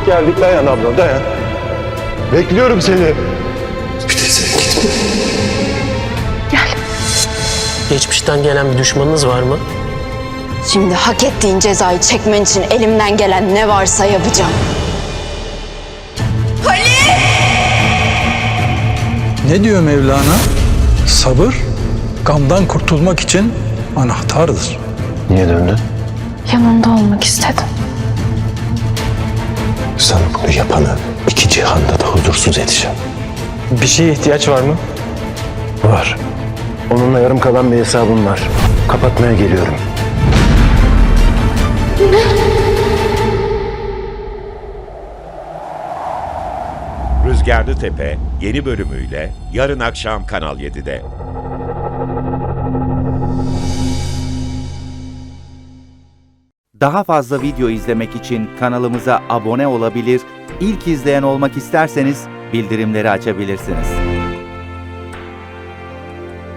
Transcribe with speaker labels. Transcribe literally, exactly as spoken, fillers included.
Speaker 1: Geldik, dayan abla, dayan. Bekliyorum seni.
Speaker 2: Bir de sen gitme.
Speaker 3: Geçmişten gelen bir düşmanınız var mı?
Speaker 4: Şimdi hak ettiğin cezayı çekmen için elimden gelen ne varsa yapacağım.
Speaker 5: Ne diyor Mevlana? Sabır, gamdan kurtulmak için anahtardır.
Speaker 1: Niye döndün?
Speaker 6: Yanında olmak istedim.
Speaker 1: Sana bunu yapanı iki cihanda da huzursuz edeceğim.
Speaker 7: Bir şeye ihtiyaç var mı?
Speaker 1: Var. Onunla yarım kalan bir hesabım var. Kapatmaya geliyorum.
Speaker 8: Rüzgarlı Tepe yeni bölümüyle yarın akşam Kanal yedide.
Speaker 9: Daha fazla video izlemek için kanalımıza abone olabilir, ilk izleyen olmak isterseniz bildirimleri açabilirsiniz.